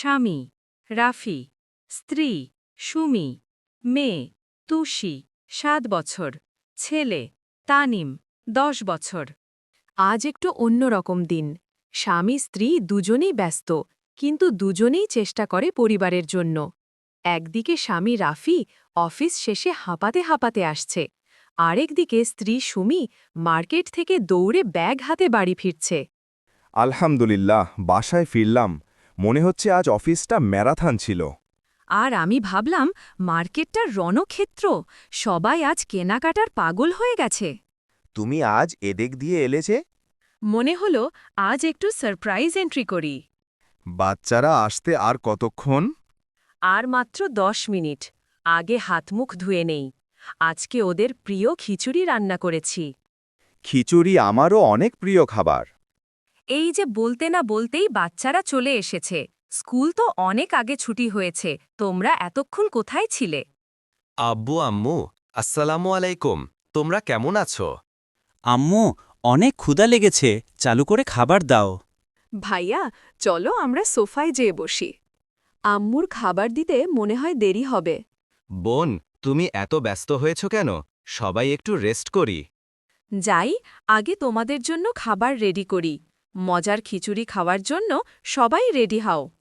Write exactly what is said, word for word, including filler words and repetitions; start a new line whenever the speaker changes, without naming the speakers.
স্বামী রাফি, স্ত্রী সুমি, মেয়ে তুষি সাত বছর, ছেলে তানিম দশ বছর। আজ একটু অন্যরকম দিন। স্বামী স্ত্রী দুজনেই ব্যস্ত, কিন্তু দুজনেই চেষ্টা করে পরিবারের জন্য। একদিকে স্বামী রাফি অফিস শেষে হাঁপাতে হাঁপাতে আসছে, আরেকদিকে স্ত্রী সুমি মার্কেট থেকে দৌড়ে ব্যাগ হাতে বাড়ি ফিরছে।
আলহামদুলিল্লাহ, বাসায় ফিরলাম। মনে হচ্ছে আজ অফিসটা ম্যারাথন ছিল।
আর আমি ভাবলাম, মার্কেটটার রণক্ষেত্র, সবাই আজ কেনাকাটার পাগল হয়ে গেছে।
তুমি আজ এদিক দিয়ে এলে যে?
মনে হলো আজ একটু সারপ্রাইজ এন্ট্রি করি।
বাচ্চারা আসতে আর কতক্ষণ?
আর মাত্র দশ মিনিট। আগে হাতমুখ ধুয়ে নেই। আজকে ওদের প্রিয় খিচুড়ি রান্না করেছি।
খিচুড়ি আমারও অনেক প্রিয় খাবার।
এই যে বলতে না বলতেই বাচ্চারা চলে এসেছে। স্কুল তো অনেক আগে ছুটি হয়েছে, তোমরা এতক্ষণ কোথায় ছিলে?
আব্বু আম্মু, আসসালামু আলাইকুম। তোমরা কেমন আছো?
আম্মু, অনেক ক্ষুধা লেগেছে, চালু করে খাবার দাও।
ভাইয়া, চলো আমরা সোফায় যেয়ে বসি। আম্মুর খাবার দিতে মনে হয় দেরি হবে।
বোন, তুমি এত ব্যস্ত হয়েছ কেন? সবাই একটু রেস্ট করি।
যাই, আগে তোমাদের জন্য খাবার রেডি করি। মজার খিচুড়ি খাওয়ার জন্য সবাই রেডি হও।